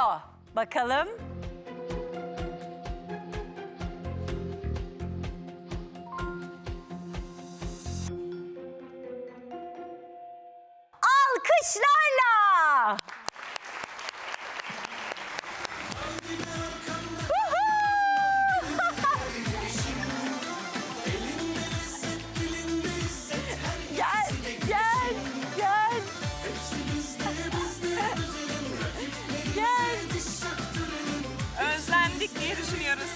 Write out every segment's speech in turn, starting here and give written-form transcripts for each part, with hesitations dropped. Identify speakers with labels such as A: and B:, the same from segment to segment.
A: geliyor. Bakalım. Alkışlarla. Gel, gel, gel. Gel.
B: Özlendik diye düşünüyoruz.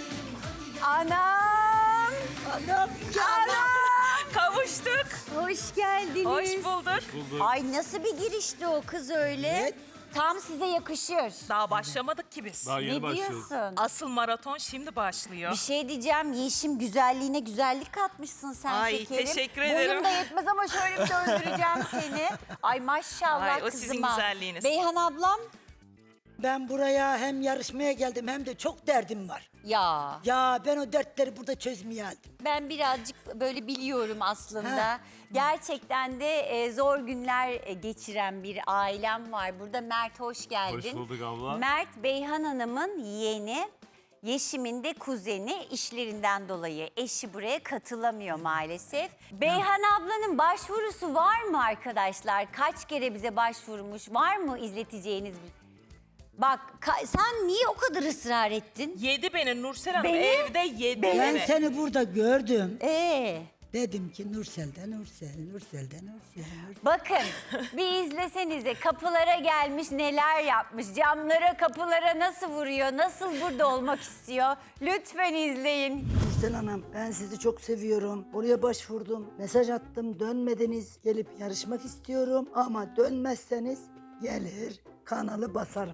A: Anam.
C: Anam
A: Anam.
B: Kavuştuk.
A: Hoş geldiniz.
B: Hoş bulduk.
A: Ay nasıl bir girişti o kız öyle?
C: Evet.
A: Tam size yakışır.
B: Daha başlamadık ki biz.
D: Daha yeni
A: Ne
D: başlıyoruz.
A: diyorsun?
B: Asıl maraton şimdi başlıyor.
A: Bir şey diyeceğim. Yeşim güzelliğine güzellik katmışsın sen
B: Ay,
A: şekerim.
B: teşekkür ederim.
A: Boyum da yetmez ama şöyle bir döndüreceğim seni. Ay maşallah
B: Ay, o
A: kızıma.
B: sizin güzelliğiniz.
A: Beyhan ablam.
C: Ben buraya hem yarışmaya geldim hem de çok derdim var.
A: Ya
C: Ya ben o dertleri burada çözmeye geldim.
A: ben birazcık böyle biliyorum aslında.
C: Ha.
A: Gerçekten de zor günler geçiren bir ailem var. Burada Mert hoş geldin.
D: Hoş bulduk abla.
A: Mert Beyhan Hanım'ın yeğeni. Yeşim'in de kuzeni, işlerinden dolayı eşi buraya katılamıyor maalesef. Beyhan ablanın başvurusu var mı arkadaşlar? Kaç kere bize başvurmuş? Var mı izleteceğiniz bir... Bak sen niye o kadar ısrar ettin?
B: Yedi beni Nursel Hanım
A: Beni?
B: evde yedi
C: Ben
B: beni.
C: seni burada gördüm.
A: Dedim
C: ki Nursel'den Nursel'den Nursel.
A: bakın bir izlesenize kapılara gelmiş neler yapmış. Camlara kapılara nasıl vuruyor, nasıl burada olmak istiyor. Lütfen izleyin.
C: Nursel Hanım ben sizi çok seviyorum. Oraya başvurdum, mesaj attım, dönmediniz. Gelip yarışmak istiyorum ama dönmezseniz gelir kanalı basarım.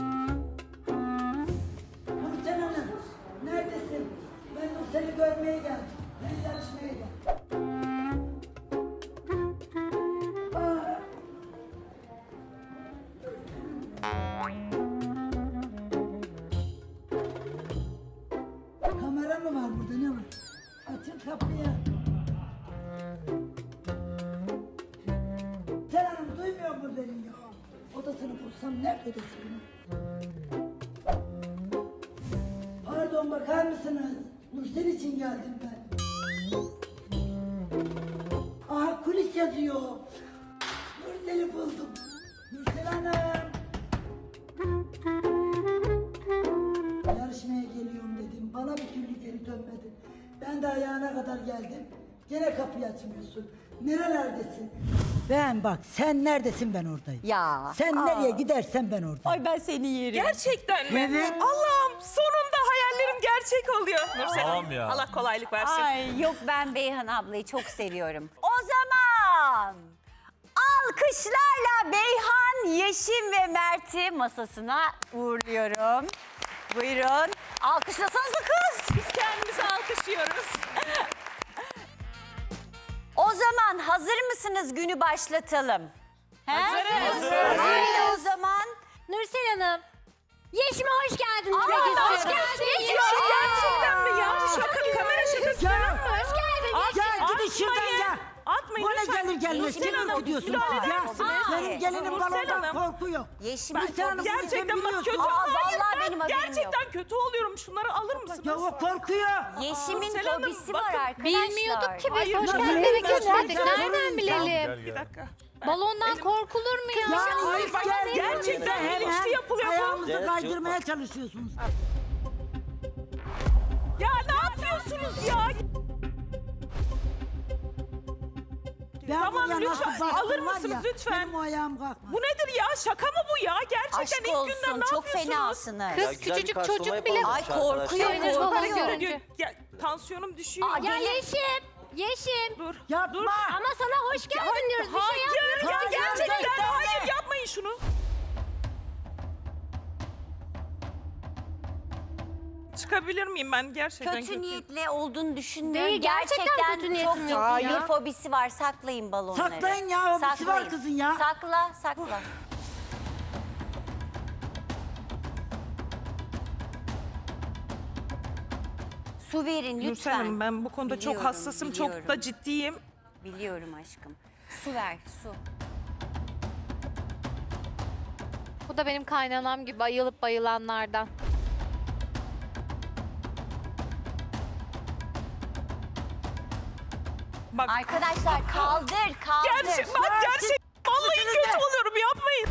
C: Nursel Hanım neredesin? Ben Nursel'i görmeye geldim. Ben yarışmaya geldim. Kamera mı var burada ne var? Açın kapıyı. Sen Hanım duymuyor mu beni ya? Odasını bulsam nerede odası bunun? Pardon bakar mısınız? Nursel için geldim ben. Aha kulis yazıyor. Nursel'i buldum. Nursel Hanım. Yarışmaya geliyorum dedim. Bana bir türlü geri dönmedin. Ben de ayağına kadar geldim. Gene kapıyı açmıyorsun. Nerelerdesin? Ben bak sen neredesin ben oradayım.
A: Ya,
C: Sen
A: aa.
C: nereye gidersen ben oradayım.
A: Ay ben seni yerim.
B: Gerçekten mi?
C: Evet.
B: Allah'ım sonunda hayallerim gerçek oluyor. Nursel
D: Tamam
B: Hanım
D: ya.
B: Allah kolaylık versin.
A: Ay yok ben Beyhan ablayı çok seviyorum. O zaman alkışlarla Beyhan, Yeşim ve Mert'i masasına uğurluyorum. Buyurun. Alkışlasanıza kız.
B: Biz kendimizi alkışlıyoruz.
A: O zaman hazır mısınız günü başlatalım?
B: Hazırız.
A: Haydi o zaman.
E: Nursel Hanım, Yeşim'e hoş geldin
A: Aa,
E: demek
A: hoş
E: istiyorum.
A: geldin.
B: Gerçekten mi ya? Şaka, kamera şakası.
C: Ya,
E: Hoş geldin.
C: ya gidin şuradan ya.
B: Atmayın
C: Bana
B: lütfen.
C: gelir gelmez
B: Nursel
C: kimi
B: Hanım,
C: gidiyorsunuz
B: müdahale
C: siz
B: eder
C: ya?
B: misiniz?
C: Benim gelinim
B: Nursel
C: balondan
B: Hanım.
C: korkuyor.
A: Yeşim
C: Nursel Hanım bunu sen
B: Gerçekten bak
C: biliyorsun.
B: kötü.
A: Aa,
B: Hayır,
A: vallahi
B: ben
A: benim haberim
B: gerçekten kötü oluyorum. Şunları alır mısınız?
C: Ya o korkuyor.
A: Yaşımın
B: Nursel Hanım,
A: fobisi
B: bakın,
A: var arkadaşlar.
E: Bilmiyorduk ki biz. Hoş
C: nasıl
E: geldin
C: bilmiyorsun?
E: demek istedik.
C: Sen
E: Nereden
C: sorun
E: bilelim?
B: Bir dakika.
E: Balondan korkulur mu ya?
B: Hayır bak gerçekten bilinçli yapılıyor bu.
C: Ayağımızı kaydırmaya çalışıyorsunuz.
B: Ya ne yapıyorsunuz ya?
C: Ben
B: Tamam,
C: buraya
B: lütfen,
C: nasıl bastım
B: alır
C: var
B: mısınız
C: ya,
B: lütfen?
C: Benim o ayağım kalkmaz.
B: Bu nedir ya? Şaka mı bu ya? Gerçekten
A: Aşk
B: ilk günden
A: olsun
B: ne
A: çok
B: yapıyorsunuz?
A: fenasınız.
E: Kız küçücük çocuk bile
A: Ay korkuyor
E: Sevinir falan
A: korkuyor.
E: görünce.
B: Ya, tansiyonum düşüyor.
A: Aa,
E: Ya
A: Gelin.
E: Yeşim.
B: Dur.
C: Yapma.
B: Dur.
E: Ama sana hoş geldin diyoruz. Bir şey
B: Hayır
E: yapmıyoruz.
B: ya
C: Hayır,
B: gerçekten
C: hayır.
B: hayır yapmayın şunu. Çıkabilir miyim ben gerçekten
A: Kötü niyetle olduğunu düşünmüyorum.
E: Değil, gerçekten kötü niyetim
A: çok
E: yok
A: ciddi
E: ya.
A: bir fobisi var. Saklayın balonları.
C: Saklayın ya, hobisi var kızın ya.
A: Sakla, sakla. Su verin lütfen.
B: Nursel Hanım ben bu konuda çok
A: Biliyorum,
B: hassasım, çok
A: biliyorum.
B: da ciddiyim.
A: Biliyorum aşkım. Su ver, su.
E: Bu da benim kaynanam gibi ayılıp bayılanlardan.
B: Bak
A: Arkadaşlar kaldır.
B: gerçek vallahi kötü oluyorum yapmayın.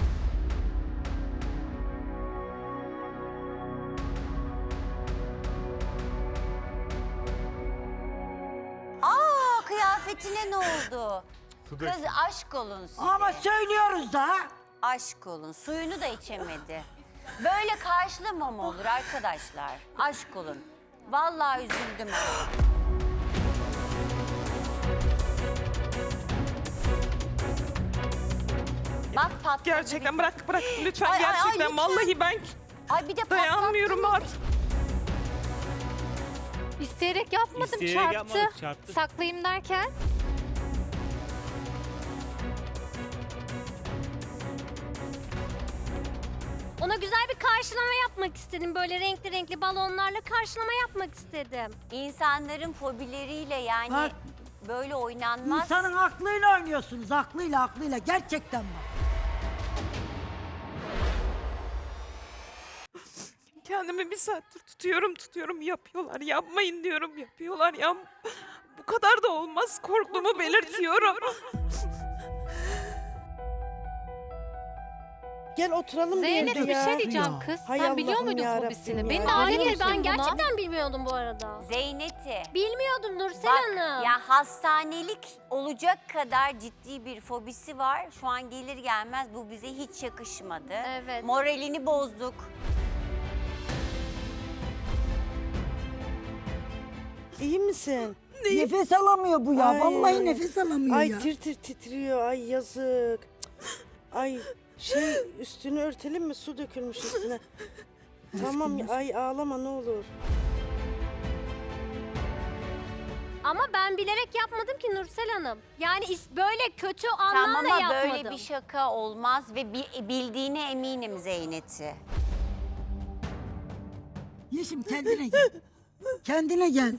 A: Aa, kıyafetine ne oldu? Kız aşk olun size.
C: Ama söylüyoruz da.
A: Aşk olun. Suyunu da içemedi. Böyle karşılama mı olur arkadaşlar? Aşk olun. Vallahi üzüldüm. Bak patladı.
B: Gerçekten bırak lütfen
A: Ay, ay, ay,
B: gerçekten
A: lütfen.
B: vallahi ben
A: Ay bir de
B: dayanmıyorum
A: patlattın.
B: artık.
E: İsteyerek yapmadım,
D: İsteyerek
E: çarptı.
D: yapmadık, çarptı.
E: Saklayayım derken.
F: Ona güzel bir karşılama yapmak istedim. Böyle renkli renkli balonlarla karşılama yapmak istedim.
A: İnsanların fobileriyle yani
C: Bak.
A: böyle oynanmaz.
C: İnsanın aklıyla oynuyorsunuz. Aklıyla. Gerçekten bak.
B: Kendimi bir saattir tutuyorum yapıyorlar. Yapmayın diyorum yapıyorlar ya. Bu kadar da olmaz korktuğumu belirtiyorum.
G: Gel oturalım
E: Zeynep
G: bir
E: bir
G: ya.
E: şey diyeceğim
C: Ya.
E: kız.
G: Hay
E: Sen biliyor
G: Allah'ım
E: muydun
G: yarabbim
E: fobisini?
G: ya.
E: Beni
G: Hayır,
E: biliyor
F: Hayır
E: musun
F: ben
E: buna?
F: gerçekten bilmiyordum bu arada.
A: Zeynet'i.
F: Bilmiyordum Nursel
A: Bak
F: Hanım.
A: ya hastanelik olacak kadar ciddi bir fobisi var. Şu an gelir gelmez bu bize hiç yakışmadı.
F: Evet.
A: Moralini bozduk.
G: İyi misin?
C: Nefes alamıyor bu ya.
G: Ay.
C: Vallahi nefes alamıyor
G: Ay
C: ya.
G: tir titriyor. Ay yazık. Ay üstünü örtelim mi? Su dökülmüş üstüne. Tamam ay ağlama ne olur.
F: Ama ben bilerek yapmadım ki Nursel Hanım. Yani böyle kötü
A: Tamam
F: anlamda
A: ama
F: yapmadım.
A: böyle bir şaka olmaz ve bildiğine eminim Zeynet'i.
C: Yeşim kendine gel. Kendine gel.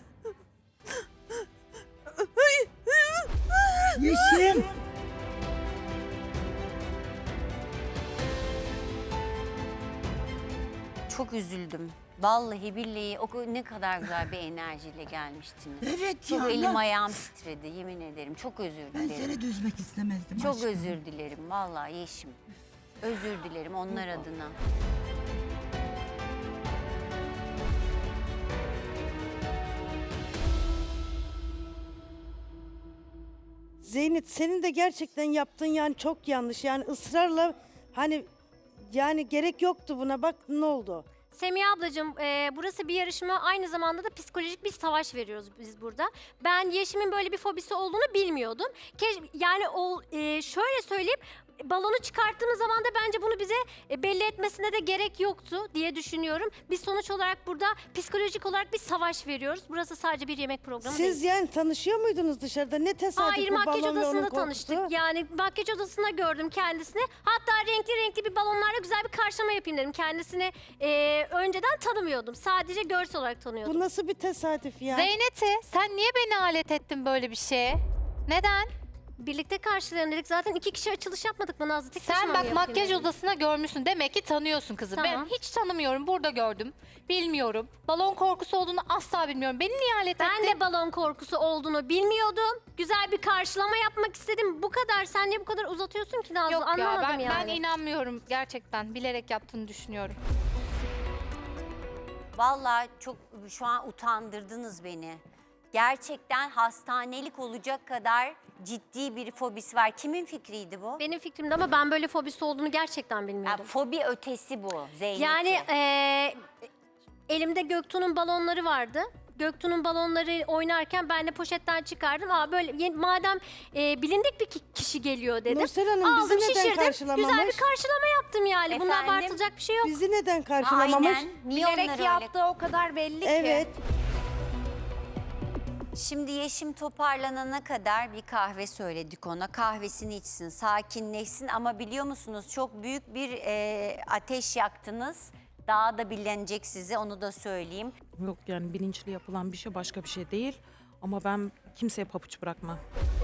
C: Yeşim.
A: Çok üzüldüm. Vallahi billahi ne kadar güzel bir enerjiyle gelmiştiniz.
C: Evet
A: Çok
C: ya.
A: elim ayağım titredi yemin ederim. Çok özür
C: Ben
A: dilerim.
C: seni de üzmek istemezdim.
A: Çok
C: aşkım.
A: özür dilerim vallahi Yeşim. Özür dilerim onlar adına.
G: Zeynep senin de gerçekten yaptığın yani çok yanlış. Yani ısrarla hani yani gerek yoktu buna. Bak ne oldu?
F: Semiha ablacığım burası bir yarışma, aynı zamanda da psikolojik bir savaş veriyoruz biz burada. Ben Yeşim'in böyle bir fobisi olduğunu bilmiyordum. Yani şöyle söyleyeyim, balonu çıkarttığımız zaman da bence bunu bize belli etmesine de gerek yoktu diye düşünüyorum. Biz sonuç olarak burada psikolojik olarak bir savaş veriyoruz. Burası sadece bir yemek programı değil.
G: Siz yani tanışıyor muydunuz dışarıda? Ne tesadüf
F: Hayır,
G: bu
F: makyaj
G: balon ve onun
F: odasında
G: kokusu?
F: tanıştık. Yani makyaj odasında gördüm kendisini. Hatta renkli renkli bir balonlarla güzel bir karşılama yapayım dedim. Kendisini önceden tanımıyordum. Sadece görsel olarak tanıyordum.
G: Bu nasıl bir tesadüf ya?
E: Zeynet'i sen niye beni alet ettin böyle bir şeye? Neden?
F: Birlikte karşılayalım dedik. Zaten 2 kişi açılış yapmadık mı Nazlı? Tek
E: Sen
F: başıma mı
E: bak
F: yapayım
E: makyaj
F: dedim.
E: odasına görmüşsün. Demek ki tanıyorsun kızı.
F: Tamam.
E: Ben hiç tanımıyorum. Burada gördüm. Bilmiyorum. Balon korkusu olduğunu asla bilmiyorum. Beni niye alet
F: Ben
E: ettin?
F: de balon korkusu olduğunu bilmiyordum. Güzel bir karşılama yapmak istedim. Bu kadar. Sen niye bu kadar uzatıyorsun ki Nazlı?
E: Yok ya
F: Anlamadım
E: ben
F: yani.
E: inanmıyorum gerçekten. Bilerek yaptığını düşünüyorum.
A: Vallahi çok şu an utandırdınız beni. Gerçekten hastanelik olacak kadar ciddi bir fobisi var. Kimin fikriydi bu?
F: Benim fikrimde ama ben böyle fobisi olduğunu gerçekten
A: Ya,
F: bilmiyordum.
A: fobi ötesi bu Zeynep'in.
F: Yani elimde Göktuğ'un balonları vardı. Göktuğ'un balonları oynarken ben de poşetten çıkardım. Madem bilindik bir kişi geliyor dedim.
G: Nursel Hanım bizi
F: Aldım,
G: neden
F: şişirdim.
G: karşılamamış?
F: Güzel bir karşılama yaptım yani. Bunda
A: Efendim?
F: abartılacak bir şey yok.
G: Bizi neden karşılamamış?
A: Aynen. Niye onlar öyle?
E: o kadar belli
G: Evet.
A: Şimdi Yeşim toparlanana kadar bir kahve söyledik ona. Kahvesini içsin, sakinleşsin ama biliyor musunuz çok büyük bir ateş yaktınız. Daha da bilinecek size, onu da söyleyeyim.
B: Yok yani bilinçli yapılan bir şey başka bir şey değil. Ama ben kimseye pabuç bırakmam.